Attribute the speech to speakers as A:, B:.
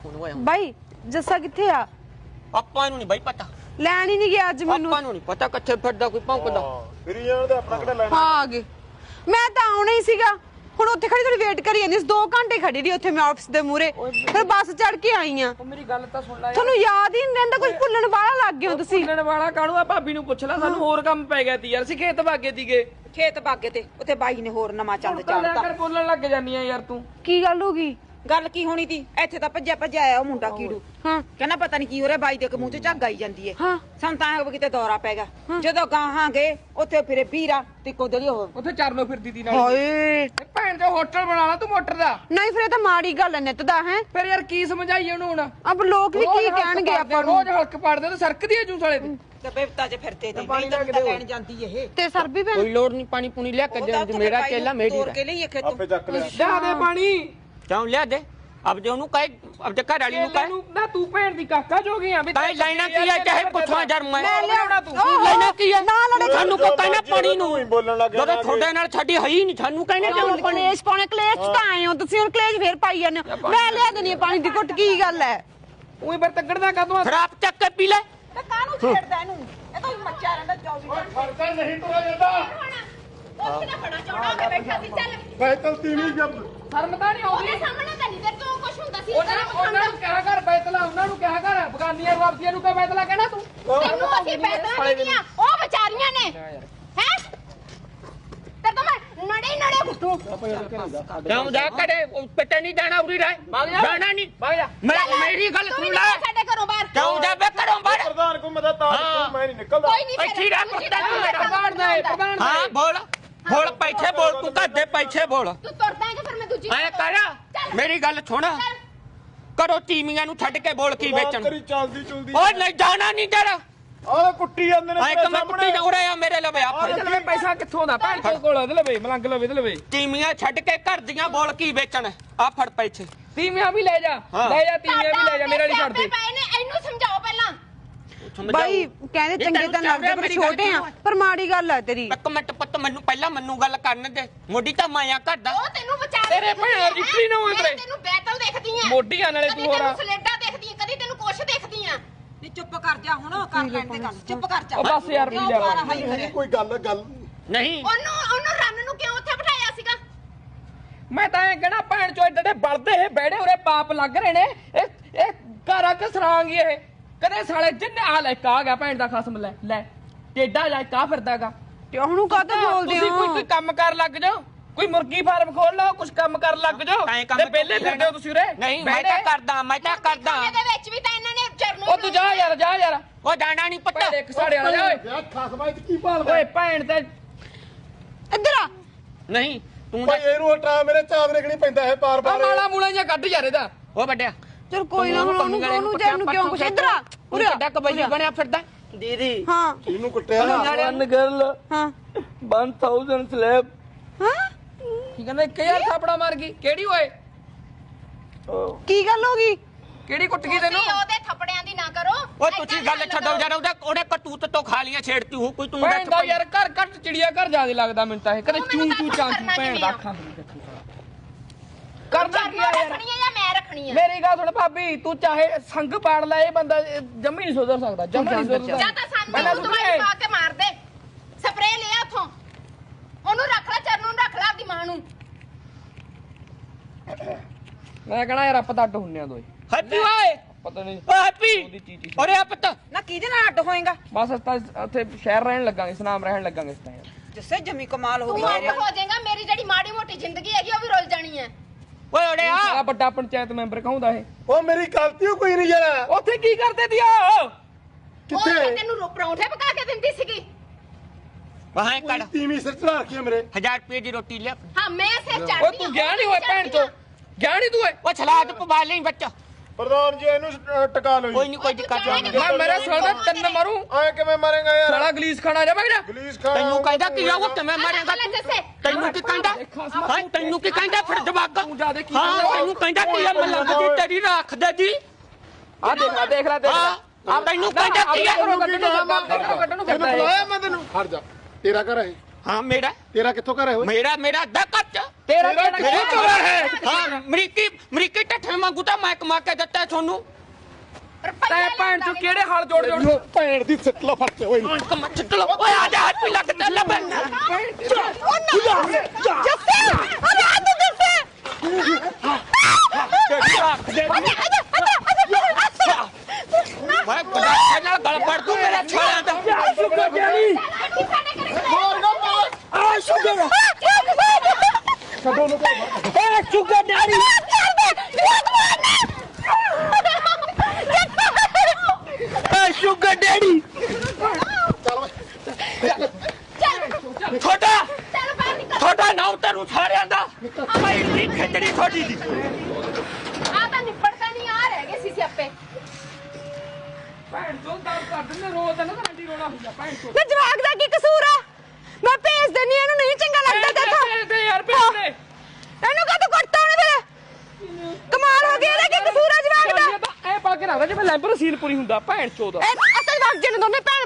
A: ਬਾਈ ਜੱਸਾ ਕਿੱਥੇ ਆ?
B: ਆਪਾਂ ਨੂੰ ਨਹੀਂ ਬਾਈ ਪਤਾ,
A: ਲੈਣ ਹੀ ਨਹੀਂ ਗਿਆ ਅੱਜ ਮੈਨੂੰ।
B: ਆਪਾਂ ਨੂੰ ਨਹੀਂ ਪਤਾ ਕਿੱਥੇ ਫਿਰਦਾ ਕੋਈ ਭੌਂਕਦਾ।
C: ਫਿਰੀ ਜਾਣ ਦੇ ਆਪਣਾ ਕਿਹੜਾ ਲੈਣਾ।
A: ਹਾਂ ਆ ਗਏ। ਮੈਂ ਤਾਂ ਆਉਣਾ ਹੀ ਸੀਗਾ, ਹੁਣ ਉੱਥੇ ਖੜੀ ਥੋੜੀ ਵੇਟ ਕਰੀ ਜਾਂਦੀ ਸੀ। 2 ਘੰਟੇ ਖੜੀ ਰਹੀ ਉੱਥੇ ਮੈਂ ਆਫਿਸ ਦੇ ਮੂਹਰੇ, ਫਿਰ ਬੱਸ ਚੜ ਕੇ ਆਈ ਆ।
D: ਮੇਰੀ ਗੱਲ ਤਾਂ ਸੁਣ ਲੈ।
A: ਤੁਹਾਨੂੰ ਯਾਦ ਹੀ ਨਹੀਂ ਰਹਿੰਦਾ, ਕੁਝ ਭੁੱਲਣ ਵਾਲਾ ਲੱਗ ਗਏ ਹੋ ਤੁਸੀਂ।
D: ਭੁੱਲਣ ਵਾਲਾ ਕਾਹਨੂੰ ਆ? ਭਾਬੀ ਨੂੰ ਪੁੱਛ ਲੈ, ਸਾਨੂੰ ਹੋਰ ਕੰਮ ਪੈ ਗਿਆ ਤੀ ਯਾਰ। ਅਸੀਂ ਖੇਤ ਭਾਗੇ ਤੀਗੇ।
E: ਖੇਤ ਬਾਗੇ ਤੇ ਉੱਥੇ ਬਾਈ ਨੇ ਹੋਰ ਨਵਾਂ ਚੰਦ ਚਾੜਤਾ।
D: ਕਰ ਬੋਲਣ ਲੱਗ ਜਾਨੀ ਆ ਯਾਰ ਤੂੰ।
A: ਕੀ ਗੱਲ ਹੋ ਗਈ?
E: ਗੱਲ ਕੀ ਹੋਣੀ ਤੀ? ਇੱਥੇ ਤਾਂ ਭੱਜਿਆ ਆਇਆ ਉਹ ਮੁੰਡਾ ਕੀੜੂ।
A: ਹਾਂ
E: ਕਹਿੰਦਾ ਪਤਾ ਨਹੀਂ ਕੀ ਹੋ ਰਿਹਾ, ਬਾਈ ਦੇ ਮੂੰਹ 'ਚ ਝੱਗ ਆਈ ਜਾਂਦੀ ਏ।
A: ਹਾਂ
E: ਸਾਨੂੰ ਤਾਂ ਐਂ ਕਿਤੇ ਦੌਰਾ ਪੈ ਗਿਆ। ਜਦੋਂ ਗਾਹਾਂ ਗਏ ਉੱਥੇ ਫਿਰੇ ਵੀਰਾ ਤੇ ਕੋਦਲੀ ਉਹ
D: ਉੱਥੇ ਚਰਨੋਂ ਫਿਰਦੀ ਤੀ ਨਾਲ।
A: ਹਾਏ
D: ਭੈਣ ਦੇ ਹੋਟਲ ਬਣਾ ਲਾ ਤੂੰ ਮੋਟਰ ਦਾ।
A: ਨਹੀਂ, ਫਿਰ ਇਹ ਤਾਂ ਮਾੜੀ ਗੱਲ ਹੈ ਨਿੱਤ ਦਾ। ਹੈ
D: ਫਿਰ ਯਾਰ ਕੀ ਸਮਝਾਈਏ ਉਹਨੂੰ ਹੁਣ?
A: ਅਬ ਲੋਕ ਵੀ ਕੀ ਕਹਿਣਗੇ ਆਪਾਂ ਨੂੰ?
D: ਰੋਜ਼ ਹਲਕ ਪੜਦੇ ਤੇ ਸਰਕਦੀ ਐ ਜੂਸ ਵਾਲੇ ਤੇ।
E: ਤੇ ਬੇਵਤਾ 'ਚ ਫਿਰਦੇ ਤੇ
D: ਪਾਣੀ
E: ਨਹੀਂ
D: ਲੈ ਕੇ
E: ਤਾਂ
D: ਦਿਓ।
E: ਲੈਣ ਜਾਂਦੀ ਇਹ
A: ਤੇ ਸਰ ਵੀ ਭੈਣ
B: ਕੋਈ ਲੋੜ ਨਹੀਂ ਪਾਣੀ ਪੂਣੀ ਲਿਆ ਕੇ ਦੇ, ਮੇਰਾ ਕੇਲਾ ਮੇਰੀ
E: ਤੋੜ ਕੇ ਲਈਏ ਖੇਤੋਂ।
C: ਆਪੇ ਚੱਕ ਲਿਆ।
D: ਲਿਆ ਦੇ ਪਾਣੀ।
B: ਕਿਉਂ ਲਿਆ ਦੇ? ਅਬ ਜੇ ਉਹਨੂੰ ਕਹੇ, ਅਬ ਜੇ ਘਰ ਵਾਲੀ ਨੂੰ ਕਹੇ
D: ਨਾ ਤੂੰ ਭੈਣ ਦੀ ਕਾਕਾ ਜੋ ਗਿਆ ਵੀ
B: ਤਾਂ ਲੈਣਾ ਕੀ ਹੈ, ਚਾਹੇ ਪੁੱਛਾਂ ਜਰ ਮੈਂ
D: ਲਿਆਉਣਾ ਤੂੰ।
B: ਲੈਣਾ ਕੀ ਹੈ?
A: ਨਾ ਲੜੇ
B: ਸਾਨੂੰ ਕੋ ਕਹਿਣਾ ਪਾਣੀ ਨੂੰ
C: ਹੀ ਬੋਲਣ ਲੱਗ ਗਿਆ।
B: ਜਦੋਂ ਤੁਹਾਡੇ ਨਾਲ ਸਾਡੀ ਹੈ ਹੀ ਨਹੀਂ, ਸਾਨੂੰ ਕਹਿੰਦੇ ਕਿਉਂ ਪਾਣੀ?
A: ਕਲੇਸ਼ ਪਾਉਣੇ, ਕਲੇਸ਼ ਤਾਂ ਆਏ ਹੋ ਤੁਸੀਂ, ਹੁਣ ਕਲੇਸ਼ ਫੇਰ ਪਾਈ ਜਾਂਦੇ ਹੋ। ਮੈਂ ਲਿਆ ਦੇਣੀ ਪਾਣੀ ਦੀ ਘੁੱਟ, ਕੀ ਗੱਲ ਹੈ?
D: ਉਹੀ ਫਿਰ ਤੱਕੜਦਾ ਕਾਹਤੋਂ?
B: ਫਿਰ ਆਪ ਚੱਕ ਕੇ ਪੀ ਲੈ।
E: ਤੇ ਕਾਹਨੂੰ ਛੇੜਦਾ ਇਹਨੂੰ? ਇਹ ਤਾਂ ਮੱਚਾ ਰਹਿੰਦਾ 24 ਘੰਟੇ।
D: ਫਰਕਾ ਨਹੀਂ ਤੋੜਾ ਜਾਂਦਾ।
F: ਉੱਥੇ ਨਾ ਬੜਾ ਚੌੜਾ ਹੋ ਕੇ ਬੈਠਾ ਸੀ। ਚੱਲ
C: ਬੈਤਲ ਤੀਵੀਂ ਜਬ
D: ਸ਼ਰਮ ਤਾਂ ਨਹੀਂ ਆਉਂਦੀ?
F: ਉਹਦੇ ਸਾਹਮਣੇ ਤਾਂ ਨਹੀਂ ਤੇ ਤੂੰ ਕੁਛ ਹੁੰਦਾ ਸੀ।
D: ਉਹਨਾਂ ਨੂੰ ਕਿਹਾ ਕਰ ਬੈਤਲਾ, ਉਹਨਾਂ ਨੂੰ ਕਿਹਾ ਕਰ ਬਗਾਨੀਆਂ ਵਾਪਸੀਆਂ ਨੂੰ ਕਿਹਾ ਬੈਤਲਾ ਕਹਿਣਾ ਤੂੰ।
F: ਤੈਨੂੰ ਅਸੀਂ ਪੈਦਾ ਨਹੀਂ ਦੀਆਂ, ਉਹ ਵਿਚਾਰੀਆਂ ਨੇ। ਹੈ ਤੇ ਤੁਮ ਨੜੇ ਘੁੱਟੂ।
B: ਕਿਉਂ ਜਾ ਕਰੇ ਪਿੱਟੇ ਨਹੀਂ ਜਾਣਾ, ਉਰੀ ਰਹਿ ਜਾਣਾ ਨਹੀਂ।
D: ਭਾਗ ਜਾ।
B: ਮੇਰੀ ਗੱਲ
F: ਤੂੰ
B: ਸੁਣ
F: ਵੀ
B: ਲੈ।
F: ਨਿਕਲ ਸਾਡੇ ਘਰੋਂ ਬਾਹਰ।
B: ਕਿਉਂ ਜਾਵੇ ਘਰੋਂ ਬਾਹਰ?
C: ਪ੍ਰਧਾਨ ਕੋ ਮਦਦ ਤਾਂ ਮੈਂ ਨਹੀਂ ਨਿਕਲਦਾ।
F: ਕੋਈ ਨਹੀਂ
B: ਇੱਥੇ ਰਹਿ ਪ੍ਰਧਾਨ ਤੂੰ ਮੇਰਾ।
D: ਪ੍ਰਧਾਨ ਦਾ ਹੈ, ਪ੍ਰਧਾਨ ਦਾ
B: ਹਾਂ ਬੋਲ ਬੋਲ, ਪੈਸੇ ਬੋਲ, ਤੂੰ ਘਰ ਦੇ ਪੈਸੇ ਬੋਲ।
F: ਤੂੰ ਤੁਰਦਾ ਹੈ ਕਿ ਫਿਰ ਮੈਂ ਦੂਜੀ
B: ਐ ਕਰ, ਮੇਰੀ ਗੱਲ ਸੁਣ, ਕਰੋ ਤੀਮੀਆਂ ਨੂੰ ਛੱਡ ਕੇ ਬੋਲ ਕੀ ਵੇਚਣ।
C: ਤੇਰੀ ਚੱਲਦੀ ਚੁਲਦੀ।
B: ਓਏ ਨਹੀਂ ਜਾਣਾ ਨਹੀਂ ਤੇਰਾ।
C: ਆਹ ਕੁੱਟੀ ਜਾਂਦੇ ਨੇ
B: ਐ ਕਿ ਮੈਂ ਕੁੱਟੀ ਜਾ ਰਿਹਾ ਮੇਰੇ ਲਵੇ ਆ
D: ਇਹਦੇ ਲਵੇ ਪੈਸਾ ਕਿੱਥੋਂ ਦਾ? ਭੈਣ ਚੋਦ ਕੋਲ ਇਹਦੇ ਲਵੇ, ਮਲੰਗ ਲਵੇ ਇਹਦੇ ਲਵੇ।
B: ਤੀਮੀਆਂ ਛੱਡ ਕੇ ਘਰ ਦੀਆਂ ਬੋਲ ਕੀ ਵੇਚਣ। ਆ ਫੜ ਪੈਸੇ।
D: ਤੀਵੀਆਂ ਵੀ ਲੈ ਜਾ, ਲੈ ਜਾ ਤੀਵੀਆਂ ਵੀ ਲੈ ਜਾ, ਮੇਰੇ ਵਾਲੀ ਛੱਡ ਦੇ।
F: ਪਏ ਨੇ, ਇਹਨੂੰ ਸਮਝਾਓ ਪਹਿਲਾਂ।
A: ਬਾਈ ਕਹਿੰਦੇ ਚੰਗੇ ਤਾਂ ਲੱਗਦੇ ਪਰ ਛੋਟੇ ਆ, ਪਰ ਮਾੜੀ ਗੱਲ ਹੈ ਤੇਰੀ।
B: ਇੱਕ ਮਿੰਟ ਪੁੱਤ, ਮੈਨੂੰ ਪਹਿਲਾਂ ਮੈਨੂੰ ਗੱਲ ਕਰਨ ਦੇ। ਮੋਢੀ ਤਾਂ ਮਾਇਆ ਕਰਦਾ।
F: ਉਹ ਤੈਨੂੰ ਵਿਚਾਰ
D: ਤੇਰੇ ਭੈਣ ਰਿਕਰੀ ਨਾ ਹੋਏ ਤੇਰੇ।
F: ਤੈਨੂੰ ਬੈਤਲ ਦੇਖਦੀ ਆ,
D: ਮੋਢੀਆਂ ਨਾਲੇ ਤੂੰ ਹੋਰ ਆ।
F: ਕਦੀ ਤੈਨੂੰ ਸਲੇਡਾ ਦੇਖਦੀ ਆ, ਕਦੀ ਤੈਨੂੰ ਕੁਛ ਦੇਖਦੀ ਆ।
E: ਨੀ ਚੁੱਪ ਕਰ ਜਾ ਹੁਣ, ਕਰ ਲੈਣ ਦੇ ਗੱਲ। ਚੁੱਪ ਕਰ ਜਾ।
D: ਉਹ ਬਸ ਯਾਰ ਪੀ ਲਿਆ ਵਾ।
C: ਕੋਈ ਗੱਲ
B: ਨਹੀਂ
F: ਉਹਨੂੰ ਰੰਨ ਨੂੰ ਕਿਉਂ ਉੱਥੇ ਬਿਠਾਇਆ ਸੀਗਾ?
D: ਮੈਂ ਤਾਂ ਐ ਕਹਿਣਾ ਭੈਣ ਚੋ ਏਡੇ ਬਲਦੇ ਇਹ ਬੈੜੇ ਉਰੇ ਪਾਪ ਲੱਗ ਰਹੇ ਨੇ। ਇਹ ਘਰਾਂ ਕੇ ਸਰਾਂਗੀ ਇਹ ਕਦੇ ਸਾਲੇ ਜਿੰਨੇ ਆ ਲੈ ਆ ਗਿਆ ਭੈਣ ਦਾ ਖਸਮ। ਲੈ ਟੇਡਾ ਜਾ ਕਾ ਫਿਰਦਾਗਾ।
A: ਤੇ ਉਹਨੂੰ ਕਾਹਤੋਂ ਬੋਲਦੇ
D: ਤੁਸੀਂ
A: ਹੋ?
D: ਕੋਈ ਕੰਮ ਕਰ ਲੱਗ ਜਾਓ, ਕੋਈ ਮੁਰਗੀ ਫਾਰਮ ਖੋਲ ਲਓ, ਕੁਝ ਕੰਮ ਕਰ ਲੱਗ ਜਾਓ। ਤੇ ਪਹਿਲੇ ਫਿਰਦੇ ਹੋ ਤੁਸੀਂ ਉਰੇ।
B: ਨਹੀਂ ਮੈਂ ਤਾਂ ਕਰਦਾ, ਮੈਂ ਤਾਂ ਕਰਦਾ।
F: ਇਹਦੇ ਵਿੱਚ ਵੀ ਤਾਂ ਇਹਨਾਂ ਨੇ ਚਰਨੋਂ
D: ਉਹ ਤੂੰ ਜਾ ਯਾਰ, ਜਾ ਯਾਰ।
B: ਉਹ ਜਾਣਾ ਨਹੀਂ ਪੁੱਤ।
D: ਭੈੜੇ ਕਸਾੜੇ ਵਾਲਾ ਜਾ ਓਏ।
C: ਯਾਰ ਖਸਮਾਈ ਕੀ ਭਾਲਦਾ?
D: ਓਏ ਭੈਣ ਤੇ
A: ਇੱਧਰ ਆ।
B: ਨਹੀਂ ਤੂੰ
C: ਭਾਈ ਇਹਨੂੰ ਹਟਾ, ਮੇਰੇ ਚਾਵ ਰੇਖਣੀ ਪੈਂਦਾ ਹੈ ਪਾਰ
D: ਆ
C: ਪਾਰ।
D: ਮਾਲਾ ਮੂਲਾ ਜਾਂ ਕੱਢ ਯਾਰ ਇਹਦਾ।
B: ਉਹ ਵੱਡਿਆ
A: ਚਲ ਕੋਈ ਨਾ, ਹੁਣ ਉਹਨੂੰ ਜਾਨੂੰ ਕਿਉਂ ਕੁਛ। ਇੱਧਰ ਆ
B: ਪੂਰਾ ਵੱਡਾ ਕਬੱਡੀ ਬਣਿਆ ਫਿਰਦਾ।
E: ਦੀਦੀ
A: ਹਾਂ
C: ਇਹਨੂੰ ਕੁੱਟਿਆ।
D: ਵਨ ਗਰਲ
A: ਹਾਂ
D: 1000 ਸਲੈਬ।
A: ਹਾਂ
D: ਕੀ ਕਹਿੰਦਾ 1000 ਥਾਪੜਾ ਮਾਰ ਗਈ? ਕਿਹੜੀ ਓਏ?
A: ਕੀ ਗੱਲ ਹੋ ਗਈ?
D: ਕਿਹੜੀ ਕੁੱਟ ਗਈ ਤੈਨੂੰ?
F: ਤੁਸੀਂ ਉਹਦੇ ਥੱਪੜਿਆਂ ਦੀ ਨਾ ਕਰੋ।
B: ਓਏ ਤੁਸੀਂ ਗੱਲ ਛੱਡੋ ਯਾਰ, ਉਹਦੇ ਕਤੂਤ ਤੋਂ ਖਾ ਲੀਆਂ ਛੇੜਤੀ ਹੋ ਕੋਈ। ਤੂੰ
D: ਭੈਣ ਦਾ ਯਾਰ ਘਰ ਘੱਟ ਚਿੜੀਆ ਘਰ ਜਿਆਦਾ ਲੱਗਦਾ ਮੈਨੂੰ ਤਾਂ ਇਹ। ਕਦੇ ਚੂ ਚੂ ਚਾਂ ਚੂ ਭੈਣ ਦਾ ਅੱਖਾਂ ਕਰਦਾ ਕੀ ਆ ਯਾਰ?
F: ਰੱਖਣੀ ਆ ਜਾਂ ਮੈਂ ਰੱਖਣੀ ਆ?
D: ਮੇਰੀ ਗੱਲ ਸੁਣ ਭਾਬੀ, ਤੂੰ ਚਾਹੇ ਸੰਗ ਪਾੜ ਲੈ, ਇਹ ਬੰਦਾ ਜੰਮੀ ਨਹੀਂ ਸੁਧਰ ਸਕਦਾ, ਜੰਮੀ ਨਹੀਂ ਸੁਧਰ
F: ਜਾਂ ਤਾਂ ਸਾਨੂੰ ਦਵਾਈ ਪਾ ਕੇ ਮਾਰ ਦੇ, ਸਪਰੇਅ ਲਿਆ ਉਥੋਂ। ਉਹਨੂੰ ਰੱਖ ਲੈ, ਚਰਨੋਂ ਨੂੰ ਰੱਖ ਲੈ, ਆਪਦੀ ਮਾਂ ਨੂੰ।
D: ਮੈਂ ਕਹਣਾ ਯਾਰ ਆਪਾਂ ਤਾਂ ਅੱਡ ਹੁੰਨੇ ਆ ਦੋਏ।
B: ਹੈਪੀ ਓਏ,
D: ਪਤਾ ਨਹੀਂ
B: ਓ ਹੈਪੀ ਓਰੇ ਆ ਪੁੱਤ।
E: ਨਾ ਕਿਹਦੇ ਨਾਲ ਅੱਡ ਹੋਏਗਾ?
D: ਬਸ ਅਸੀਂ ਤਾਂ ਉੱਥੇ ਸ਼ਹਿਰ ਰਹਿਣ ਲੱਗਾਂਗੇ, ਸਨਾਮ ਰਹਿਣ ਲੱਗਾਂਗੇ ਇਸ ਤਾਂ ਯਾਰ।
E: ਜਿਸੇ ਜਮੀ ਕਮਾਲ ਹੋ
F: ਤੂੰ
E: ਗਈ
F: ਅੱਡ
E: ਮੇਰੇ।
F: ਹੋ ਜਾਏਗਾ, ਮੇਰੀ ਜਿਹੜੀ ਮਾੜੀ ਮੋਟੀ ਜ਼ਿੰਦਗੀ ਹੈਗੀ ਉਹ ਵੀ ਰੁਲ ਜਾਣੀ ਹੈ।
B: ਓਏ ਓਰੇ ਆ।
D: ਸਾਲਾ ਵੱਡਾ ਪੰਚਾਇਤ ਮੈਂਬਰ ਕਹਾਉਂਦਾ ਇਹ।
C: ਉਹ ਮੇਰੀ ਗਲਤੀ ਓ ਕੋਈ ਨਹੀਂ ਯਾਰ।
D: ਉੱਥੇ ਕੀ ਕਰਦੇ ਦਿਆ?
F: ਉਹ
C: ਕਿੱਥੇ?
F: ਤਾਂ ਤੈਨੂੰ ਪਰੌਂਠੇ ਪਕਾ ਕੇ ਦਿੰਦੀ ਸੀਗੀ।
B: ਵਾਹਾਂ ਕੱਢ
C: ਤੀਵੀਂ ਸਿਰ ਚੜਾ ਰੱਖੀ ਆ ਮੇਰੇ।
B: 1000 ਰੁਪਏ ਦੀ ਰੋਟੀ ਲਿਆ।
F: ਹਾਂ ਮੈਂ ਸਿਰ ਚੜਦੀ।
D: ਓਏ ਤੂੰ ਗਿਆ ਨਹੀਂ ਹੋਇਆ ਭੈਣ ਚੋ? ਗਿਆ ਨਹੀਂ ਤੂੰ ਓਏ?
B: ਉਹ ਸਲਾਦ ਪਵਾ ਲਈ ਬੱਚਾ।
C: ਪ੍ਰਧਾਨ ਜੀ ਇਹਨੂੰ ਟਕਾ ਲਓ
B: ਕੋਈ
C: ਜੀ।
B: ਨਹੀਂ ਕੋਈ ਦਿੱਕਤ ਨਹੀਂ।
D: ਮੈਂ ਮੇਰੇ ਸਾਲਾ ਦਾ ਤਿੰਨ ਮਾਰੂ।
C: ਆਏ ਕਿਵੇਂ ਮਾਰੇਗਾ ਯਾਰ?
D: ਸਾਲਾ ਗਲੀਸ ਖਾਣਾ ਜਾ ਬਗੜਾ।
C: ਗਲੀਸ ਖਾ।
B: ਤੈਨੂੰ ਕਹਿੰਦਾ ਕੀ ਆ ਉਹ ਕਿਵੇਂ ਮਾਰੇਗਾ
F: ਲੈ
B: ਤੂੰ?
F: ਜੱਸੇ।
B: ਤੈਨੂੰ ਕੀ ਕਹਿੰਦਾ? ਹਾਂ ਤੈਨੂੰ ਕੀ ਕਹਿੰਦਾ ਫਿਰ ਜਵਾਗਾ?
D: ਤੂੰ ਜਾ ਦੇ ਕੀ
B: ਹਾਂ ਤੈਨੂੰ ਕਹਿੰਦਾ ਕੀ ਆ ਮਲੰਗ ਦੀ ਤੇਰੀ ਰੱਖ ਦੇ ਜੀ।
D: ਆ ਦੇਖ ਲੈ ਦੇਖ ਲੈ ਦੇਖ
B: ਹਾਂ
D: ਲੈ।
B: ਆ ਤੈਨੂੰ ਕਹਿੰਦਾ ਕੀ ਆ?
D: ਕੱਢਣ ਨੂੰ ਫਿਰਦਾ
C: ਤੈਨੂੰ
D: ਇਹ।
C: ਬੁਲਾਇਆ ਮੈਂ ਤੈਨੂੰ। ਹਟ ਜਾ, ਤੇਰਾ ਘਰ ਹੈ।
B: ਹਾਂ ਮੇਰਾ
C: ਤੇਰਾ ਕਿੱਥੋਂ ਘਰ ਹੈ ਓਏ
B: ਮੇਰਾ ਅੱਧਾ ਕੱਚ
D: ਤੇਰਾ
C: ਤੇਰਾ
D: ਕਿਹੜਾ
C: ਕਿਹੜਾ
D: ਘਰ
C: ਹੈ?
B: ਹਾਂ ਅਮਰੀਕੀ ਟੱਠੇ ਵਾਂਗੂ ਤਾਂ ਮੈਂ ਕਮਾ ਕੇ ਦਿੱਤਾ ਤੁਹਾਨੂੰ
D: ਤੈ ਭੈਣ ਚੋ ਕਿਹੜੇ ਹਾਲ ਜੋੜ ਜੋੜ
C: ਭੈਣ ਦੀ ਸਿੱਟ ਲਾ ਫੜ ਕੇ ਓਏ
B: ਕਮਾ ਚਿੱਟ ਲੋ ਓਏ ਆ ਜਾ ਹੱਥ ਵੀ ਲੱਗਦਾ ਲੱਭਣ
A: ਜੱਸੇ ਅਰੇ ਆ ਤੂੰ ਜੱਸੇ
B: ਮੈਂ ਬੜਾ ਨਾਲ ਗਲ ਪੜ ਦੂੰ ਮੇਰੇ ਛਾਲਿਆਂ ਦਾ
D: ਸ਼ੁਕਰ ਡੈਡੀ ਆ ਸ਼ੁਕਰ
C: ਛੱਡੋ ਨੂੰ
D: ਏ ਸ਼ੁਕਰ ਡੈਡੀ ਏ ਸ਼ੁਕਰ ਡੈਡੀ
B: ਛੋਟਾ
F: ਚੱਲ ਬਾਹਰ ਨਿਕਲ
B: ਛੋਟਾ ਨਾਮ ਤੈਨੂੰ ਸਾਰਿਆਂ ਦਾ ਮੈਂ ਇੰਨੀ ਖਿੱਚੜੀ ਛੋਟੀ ਦੀ
F: ਆ ਤਾਂ ਨਿਪੜਦਾ ਨਹੀਂ ਆ ਰਹਿ ਗਏ ਸੀ ਸਿਆਪੇ
D: ਭੈਣ ਚੋ ਦਰਦ ਕਰ ਦਿੰਦੇ ਰੋਜ਼ ਨਾ ਰੰਡੀ ਰੋਣਾ ਹੁੰਦਾ ਭੈਣ ਚੋ
A: ਨਾ ਜਵਾਕ ਦਾ ਕੀ ਕਸੂਰ ਆ ਮੈਂ ਭੇਜ ਦਿੰਨੀ ਇਹਨੂੰ ਨਹੀਂ ਚੰਗਾ ਲੱਗਦਾ ਤੇਥੋਂ
D: ਤੇ ਯਾਰ ਭੇਜ ਦੇ
A: ਇਹਨੂੰ ਕਾ ਤੂੰ ਕੁੱਟਦਾ ਉਹਨੇ ਫਿਰ ਕਮਾਲ ਹੋ ਗਈ ਇਹਦਾ ਕੀ ਕਸੂਰ ਆ ਜਵਾਕ ਦਾ
D: ਐ ਪਾ ਕੇ ਰੱਖਦਾ ਜਿਵੇਂ ਲੈਂਬਰ ਸੀਲ ਪੂਰੀ ਹੁੰਦਾ ਭੈਣ ਚੋ ਦਾ
A: ਇਹ ਅਸਲ ਵਕਤ ਜਿਹਨੂੰ ਦੋਨੇ ਭੈਣ